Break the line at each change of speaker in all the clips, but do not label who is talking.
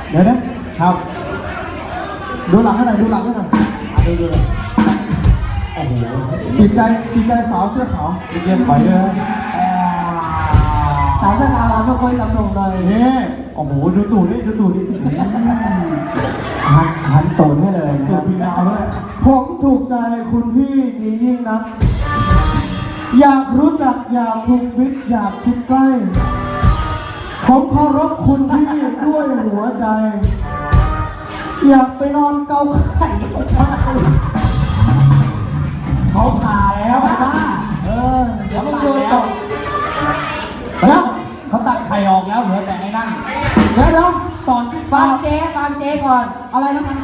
เดี๋ยวนะครับดูหลังให้หน่อยดูหลังให้หน่อยดูเลยโอ้โหติดใจสาวเสื้อขาวเยี่ยมไปเลย
สาวเสื้อขาวเราไม่ค่อยตำหนงเลย
นี่โอ้โหดูตูดดิหันตูดให้เลยนะครับพี่ดาวด้วยผมถูกใจคุณพี่ดียิ่งนะอยากรู้จักอยากผูกมิตรอยากชิดใกล้ผมเคารพคุณพี่ด้วยหัวใจอยากไปนอนเกาไข่เขาผ่าแล้วป้า
เดี๋ยวมึงโดนตก
แล้ว
เขาตัดไข่ออกแล้วเหลือแต่ไอ้นั่น
เดี๋ยวตอนที่
ฟังเจ๊ก่อน
อะไรนะครับ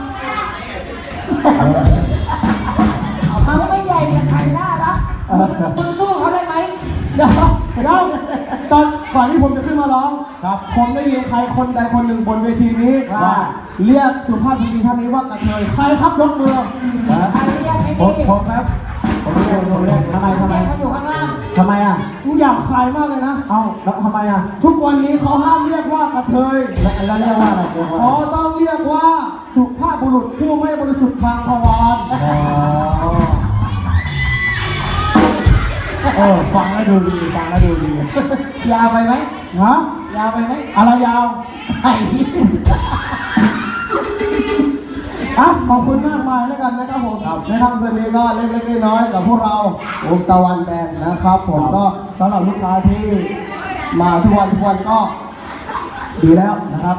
เขาไม่ใหญ่แต่ไข่หน้ารักมึงสู้เขาได้ไหม
เดี๋ยวตอนก่อนที่ผมจะขึ้นมาร้องผมได้ยินใครคนใดคนหนึ่งบนเวทีนี้ว่าเรียกสุภาพสตรีท่านนี้ว่ากระเทยใครครับยกมือ
ใครเรียกไม่มี
ผมครับผมเรียกทำไม
เขาอยู่ข้างล่าง
ทำไมอ่ะมึงอยากขายมากเลยนะเอ้าแล้วทำไมอ่ะทุกวันนี้เขาห้ามเรียกว่ากระเทยแล้วเรียกว่าอะไรเขาต้องเรียกว่าสุภาพบุรุษผู้ไม่บริสุทธิ์ทางทวาร
ฟังแล้วดูดี
ยาวไปไหม
ฮะ
ยาวไปไหม
อะไรยาว
ไข่
ขอบคุณมากมายแล้วกันนะครับผมในค่ำคืนนี้ก็เล็กๆน้อยๆกับพวกเราวงตะวันแบนด์นะครับผมก็สำหรับลูกค้าที่มาทุกวันก็ดีแล้วนะครับ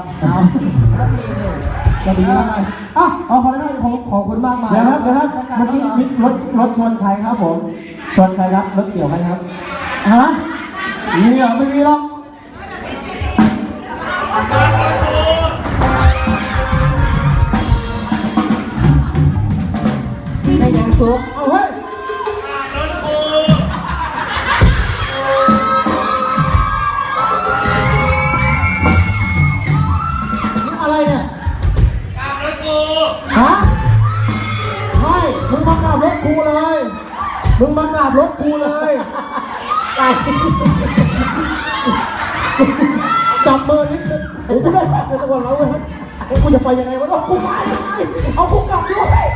ก็ดีแล้วไงเอาขอได้ขอบคุณมากมายเดี๋ยวครับเมื่อกี้รถชนใครครับผมชนใครครับรถเฉี่ยวใครครับฮะมีเหรอไม่มีหรอก
ไม่ยังซุก
เอาเฮ้ยอะไรเนี่ยกราบรถกูฮะใช่มึงมากราบรถกูเลยจับมือนิดนึงกูได้แค่ในตัวเราเว้ยกูจะไปยังไงวะกูมายังไงเอากูกลับด้วย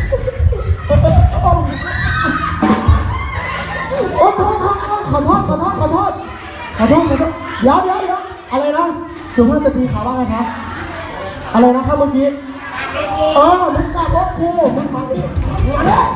โอ้ขอโทษเดี๋ยวอะไรนะสุภาพสตรีขาว่าไงครับอะไรนะครับเมื่อกี้มึงกลับรถกูมึงมาดิมึง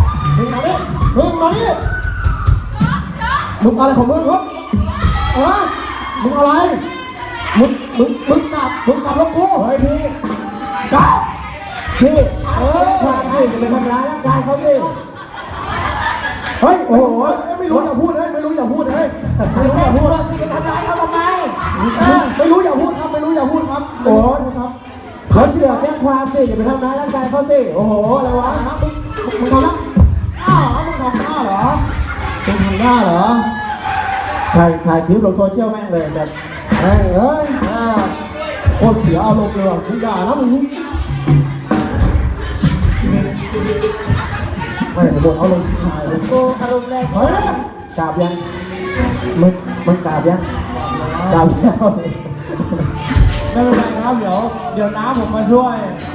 อะไรของมึงครับมึงอะไรมึงกลับรถกูเฮ้ยพี่กลับพี่ให้จะไปทำร้ายร่างกายเขาสิเฮ้ยโอ้โหไม่รู้อย่าพูดเฮ้ยไม่รู้อย่าพูด
สิไปทำร้ายเขาทำไม
ไม่รู้อย่าพูดครับโอ้ครับเขาเชื่อแจ้งความสิอย่าไปทำร้ายร่างกายเขาสิโอ้โหอะไรวะมึงทำแล้วมึงทำหน้าเหรอถ่ายคลิปลงโซเชียลแม่งเลยแบบแม่งเอ้ยโคตรเสียอารมณ์เลยว่ะมึงด่านะมึงไม่โดนเอาลงที่ถ่ายเลย
กูอารมณ์แรง
เฮ้ยกราบยังมึงกราบยัง
ไม่เป็นไรครับเดี๋ยวน้าผมมาช่วย